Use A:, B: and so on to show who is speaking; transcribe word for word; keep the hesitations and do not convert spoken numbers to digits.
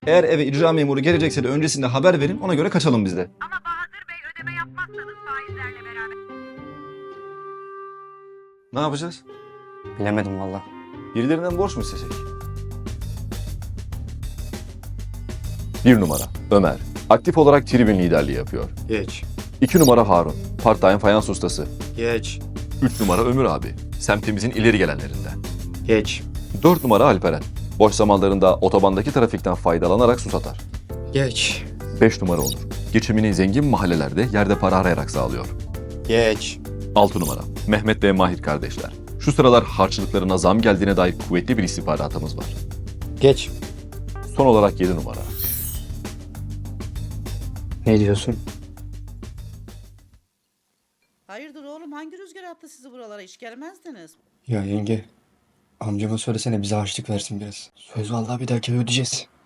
A: Eğer eve icra memuru gelecekse de öncesinde haber verin, ona göre kaçalım biz de.
B: Ama Bahadır Bey ödeme yapmazsanız faizlerle beraber...
A: Ne yapacağız?
C: Bilemedim valla.
A: Birilerinden borç mu istesek? Bir numara Ömer. Aktif olarak tribün liderliği yapıyor.
D: Geç.
A: İki numara Harun. Part-time fayans ustası.
D: Geç.
A: Üç numara Ömür abi. Semtimizin ileri gelenlerinden.
D: Geç.
A: Dört numara Alperen. Boş zamanlarında otobandaki trafikten faydalanarak su satar.
D: Geç.
A: Beş numara Onur. Geçimini zengin mahallelerde yerde para arayarak sağlıyor.
D: Geç.
A: Altı numara Mehmet ve Mahir kardeşler. Şu sıralar harçlıklarına zam geldiğine dair kuvvetli bir istihbaratımız var.
D: Geç.
A: Son olarak yedi numara.
C: Ne diyorsun?
E: Hayırdır oğlum, hangi rüzgar attı sizi buralara, hiç gelmezdiniz.
C: Ya yenge, amcama söylesene bize harçlık versin biraz. Söz vallahi bir dahaki ay ödeyeceğiz.